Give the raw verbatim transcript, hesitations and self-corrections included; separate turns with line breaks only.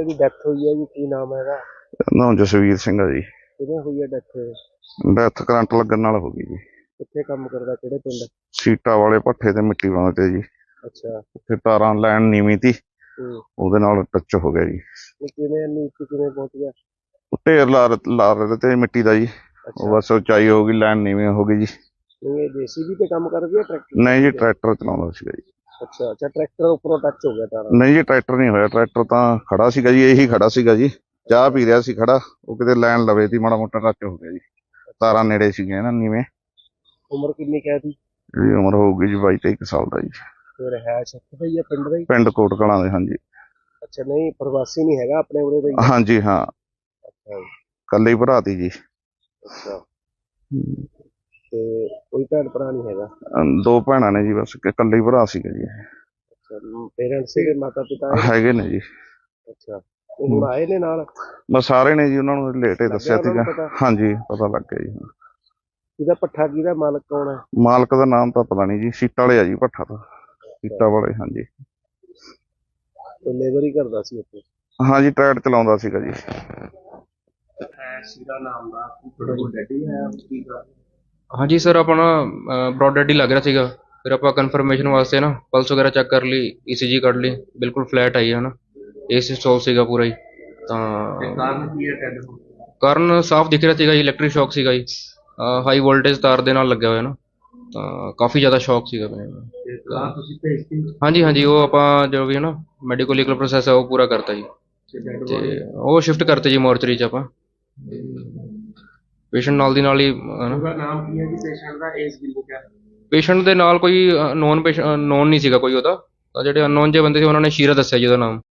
ਬੇਟੇ ਦੀ ਡੈਥ ਹੋਈ ਹੈ ਜੀ, ਕੀ ਨਾਮ ਹੈ ਇਹਦਾ?
ਨਾਮ ਜਸਵੀਰ ਸਿੰਘ ਆ ਜੀ।
ਕਿਵੇਂ ਹੋਈ ਹੈ ਡੈਥ?
ਡੈਥ ਕਰੰਟ ਲੱਗਣ ਨਾਲ ਹੋ ਗਈ ਜੀ।
ਕਿੱਥੇ ਕੰਮ ਕਰਦਾ, ਕਿਹੜੇ ਪਿੰਡ?
ਸੀਟਾਂ ਵਾਲੇ ਭੱਠੇ ਤੇ ਮਿੱਟੀ ਪਾਉਂਦੇ ਤੇ ਜੀ।
ਅੱਛਾ।
ਉੱਥੇ ਤਾਰਾਂ ਲੈਣ ਨੀਵੀਂ ਤੀ,
ਹੂੰ।
ਉਹਦੇ ਨਾਲ ਟੱਚ ਹੋ ਗਿਆ ਜੀ।
ਇਹ ਕਿਵੇਂ ਨੀਚੇ ਕਿਵੇਂ ਪਹੁੰਚ ਗਿਆ?
ਉਹ ਢੇਰ ਲਾ ਲਾ ਰਹੇ ਤੇ ਮਿੱਟੀ ਦਾ ਜੀ। ਉਹ
ਅੱਛਾ।
ਬਸ ਉਚਾਈ ਹੋ ਗਈ, ਲੈਣ ਨੀਵੀਂ ਹੋ ਗਈ ਜੀ।
ਇਹ ਜੇਸੀਬੀ ਤੇ ਕੰਮ ਕਰਦੀ ਹੈ ਟਰੈਕਟਰ?
ਨਹੀਂ ਜੀ, ਟਰੈਕਟਰ ਚਲਾਉਂਦਾ ਸੀਗਾ ਜੀ।
ਅੱਛਾ ਅੱਛਾ, ਟਰੈਕਟਰ ਉੱਪਰੋਂ ਟੱਚ ਹੋ ਗਿਆ ਤਾਰਾਂ?
ਨਹੀਂ ਜੀ, ਟਰੈਕਟਰ ਨਹੀਂ ਹੋਇਆ। ਟਰੈਕਟਰ ਤਾਂ ਖੜਾ ਸੀਗਾ ਜੀ, ਇਹੀ ਖੜਾ ਸੀਗਾ ਜੀ। ਚਾਹ ਪੀ ਰਿਹਾ ਸੀ ਖੜਾ, ਉਹ ਕਿਤੇ ਲੈਣ ਲਵੇ ਤੀ, ਮਾੜਾ ਮੋਟਾ ਟੱਚ ਹੋ ਗਿਆ ਜੀ। ਤਾਰਾਂ ਨੇੜੇ ਸੀਗੀਆਂ ਨਾ ਨੀਵੇਂ।
ਉਮਰ ਕਿੰਨੀ ਕਹਿ ਦੀ?
ਇਹਦੀ ਉਮਰ ਹੋਊਗੀ ਜੀ ਬਾਈ ਤੇਈ ਕੁ ਸਾਲ ਦਾ ਜੀ।
ਫਿਰ ਹੈ ਸ਼ੱਕ ਪਈ ਹੈ ਪਿੰਡ ਦਾ ਹੀ?
ਪਿੰਡ ਕੋਟ ਕਲਾਂ ਦੇ, ਹਾਂਜੀ।
ਅੱਛਾ, ਨਹੀਂ ਪ੍ਰਵਾਸੀ ਨਹੀਂ ਹੈਗਾ, ਆਪਣੇ ਉਰੇ ਦਾ ਹੀ?
ਹਾਂਜੀ ਹਾਂ,
ਅੱਛਾ ਜੀ।
ਕੱਲੇ ਹੀ ਭਰਾ ਤੀ ਜੀ।
ਅੱਛਾ, ਤੇ ਕੋਈ ਭੈਣ ਭਰਾ ਨਹੀਂ ਹੈਗਾ?
ਅਮ ਦੋ ਭੈਣਾਂ ਨੇ ਜੀ, ਬਸ ਇਕੱਲੇ ਹੀ ਭਰਾ ਸੀਗਾ ਜੀ।
ਅੱਛਾ, ਪੇਰੈਂਟਸ ਸੀਗੇ, ਮਾਤਾ ਪਿਤਾ
ਹੈਗੇ ਨੇ ਜੀ।
ਅੱਛਾ, ਉਹ ਹੁਣ ਆਏ ਨੇ ਨਾਲ?
ਬਸ ਸਾਰੇ ਨੇ ਜੀ, ਉਹਨਾਂ ਨੂੰ ਲੇਟ ਹੀ ਦੱਸਿਆ
ਲੱਗਿਆ ਉਹਨਾਂ
ਸੀਗਾ।
ਨੂੰ ਪਤਾ?
ਹਾਂਜੀ, ਪਤਾ ਲੱਗ ਗਿਆ ਜੀ।
ਇਹਦਾ ਭੱਠਾ ਕਿਹਦਾ ਮਾਲਕ ਕੌਣ ਹੈ?
ਮਾਲਕ ਦਾ ਨਾਮ ਤਾਂ ਪਤਾ ਨਹੀਂ ਜੀ, ਸੀਟਾਂ ਵਾਲੇ ਆ ਜੀ ਭੱਠਾ ਤਾਂ। ਸੀਟਾਂ ਵਾਲੇ, ਹਾਂਜੀ।
ਤੇ ਲੇਬਰ ਹੀ ਕਰਦਾ ਸੀ ਉੱਥੇ?
ਹਾਂਜੀ, ਟਰੈਕਟਰ ਚਲਾਉਂਦਾ ਸੀਗਾ ਜੀ।
ਸੀਰਾ ਨਾਮ ਦਾ ਤੁਹਾਡਾ ਕੋਈ ਡੈਡੀ ਹੈ ਕੀ ਕਰ?
ਹਾਂਜੀ ਸਰ, ਆਪਣਾ ਬ੍ਰੌਡ ਡੈਡ ਹੀ ਲੱਗ ਰਿਹਾ ਸੀਗਾ। ਫਿਰ ਆਪਾਂ ਕਨਫਰਮੇਸ਼ਨ ਵਾਸਤੇ ਨਾ ਪਲਸ ਵਗੈਰਾ ਚੈੱਕ ਕਰ ਲਈ, ਈਸੀਜੀ ਕੱਢ ਲਈ, ਬਿਲਕੁਲ ਫਲੈਟ ਆਈ ਹੈ ਨਾ, ਏਸੀ ਸਟੋਲ ਸੀਗਾ ਪੂਰਾ ਹੀ। ਤਾਂ
ਕਾਰਨ ਕੀ ਹੈ ਡੈਡ ਹੋਣ?
ਕਾਰਨ ਸਾਫ਼ ਦਿਖ ਰਿਹਾ ਸੀਗਾ ਜੀ, ਇਲੈਕਟ੍ਰਿਕ ਸ਼ੌਕ ਸੀਗਾ ਜੀ। ਹਾਈ ਵੋਲਟੇਜ ਤਾਰ ਦੇ ਨਾਲ ਲੱਗਿਆ ਹੋਇਆ ਨਾ, ਤਾਂ ਕਾਫੀ ਜ਼ਿਆਦਾ ਸ਼ੌਕ ਸੀਗਾ ਮੈਨੂੰ।
ਤੇ ਕਾਰ ਤੁਸੀਂ ਭੇਜਤੀ?
ਹਾਂਜੀ ਹਾਂਜੀ, ਉਹ ਆਪਾਂ ਜੋ ਵੀ ਹੈ ਨਾ ਮੈਡੀਕਲ ਲੀਗਲ ਪ੍ਰੋਸੈਸ ਹੈ ਉਹ ਪੂਰਾ ਕਰਤਾ ਜੀ। ਤੇ ਉਹ ਸ਼ਿਫਟ ਕਰਤੇ ਜੀ ਮੋਰਚਰੀ 'ਚ ਆਪਾਂ। ਪੇਸ਼ੈਂਟ ਨਾਲ ਦੀ ਨਾਲ ਹੀ
ਉਹਦਾ ਨਾਮ ਕੀ ਹੈ ਜੀ ਪੇਸ਼ੈਂਟ ਦਾ, ਏਜ ਕਿੰਨੀ ਹੈ?
ਪੇਸ਼ੈਂਟ ਦੇ ਨਾਲ ਕੋਈ ਨੋਨ ਪੇਸ਼ੈਂਟ ਨੋਨ ਨਹੀਂ ਸੀਗਾ ਕੋਈ ਉਹਦਾ, ਤਾਂ ਜਿਹੜੇ ਅਨਨੋਨ ਜਿਹੇ ਬੰਦੇ ਸੀ ਉਹਨਾਂ ਨੇ ਸ਼ੀਰਾ ਦੱਸਿਆ ਜੀ ਉਹਦਾ ਨਾਮ।